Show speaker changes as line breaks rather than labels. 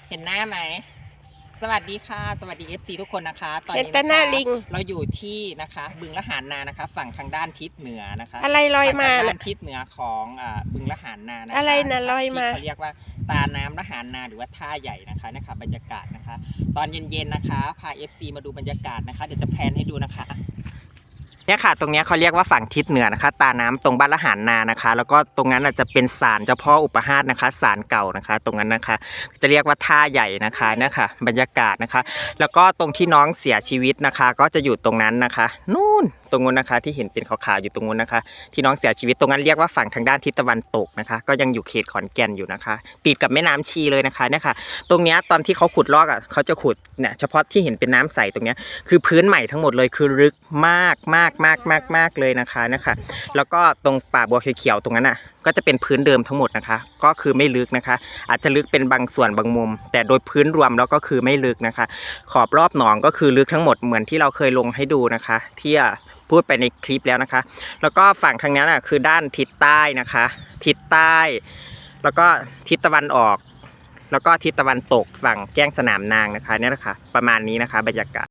เห็นหน้าไหมสวัสดีค่ะสวัสดี FC ทุกคนนะคะตอน
เห็น
นี้
แต่หน้าลิง
เราอยู่ที่นะคะบึงละหารนานะคะ ฝั่งทางด้านทิศเหนือนะคะ
อะไรลอยมา
ฝั่งทางด้า
น่ะ
นทิศเหนือของบึงละหารนานะคะ
อะไรน่ะลอยมา
ที่เขาเรียกว่าตาน้ำละหารนาหรือว่าท่าใหญ่นะคะบรรยากาศนะคะ ตอนเย็นๆนะคะพา FC มาดูบรรยากาศนะคะเดี๋ยวจะแพลนให้ดูนะคะเนี่ยค่ะตรงนี้เขาเรียกว่าฝั่งทิศเหนือนะคะตาน้ำตรงบ้านละหารนานะคะแล้วก็ตรงนั้นจะเป็นศาลเจ้าพ่ออุปหาสนะคะศาลเก่านะคะตรงนั้นนะคะจะเรียกว่าท่าใหญ่นะคะนะคะบรรยากาศนะคะแล้วก็ตรงที่น้องเสียชีวิตนะคะก็จะอยู่ตรงนั้นนะคะนู่นตรงนู้นนะคะที่เห็นเป็นขาวๆอยู่ตรงนู้นนะคะที่น้องเสียชีวิตตรงนั้นเรียกว่าฝั่งทางด้านทิศตะวันตกนะคะก็ยังอยู่เขตขอนแก่นอยู่นะคะติดกับแม่น้ำชีเลยนะคะเนี่ยค่ะตรงเนี้ยตอนที่เขาขุดลอกเขาจะขุดเนี่ยเฉพาะที่เห็นเป็นน้ำใสตรงเนี้ยคือพื้นใหม่ทั้งหมดเลยคือลึกมากเลยนะคะแล้วก็ตรงป่าบัวเขียวๆตรงนั้นอ่ะก็จะเป็นพื้นเดิมทั้งหมดนะคะก็คือไม่ลึกนะคะอาจจะลึกเป็นบางส่วนบางมุมแต่โดยพื้นรวมแล้วก็คือไม่ลึกนะคะขอบรอบหนองก็คือลึกทั้งหมดเหมือนที่เราเคยลงให้ดูนะคะที่พูดไปในคลิปแล้วนะคะแล้วก็ฝั่งทางนั้นคือด้านทิศใต้นะคะทิศใต้แล้วก็ทิศตะวันออกแล้วก็ทิศตะวันตกฝั่งแก้งสนามนางนะคะเนี่ยนะคะประมาณนี้นะคะบรรยากาศ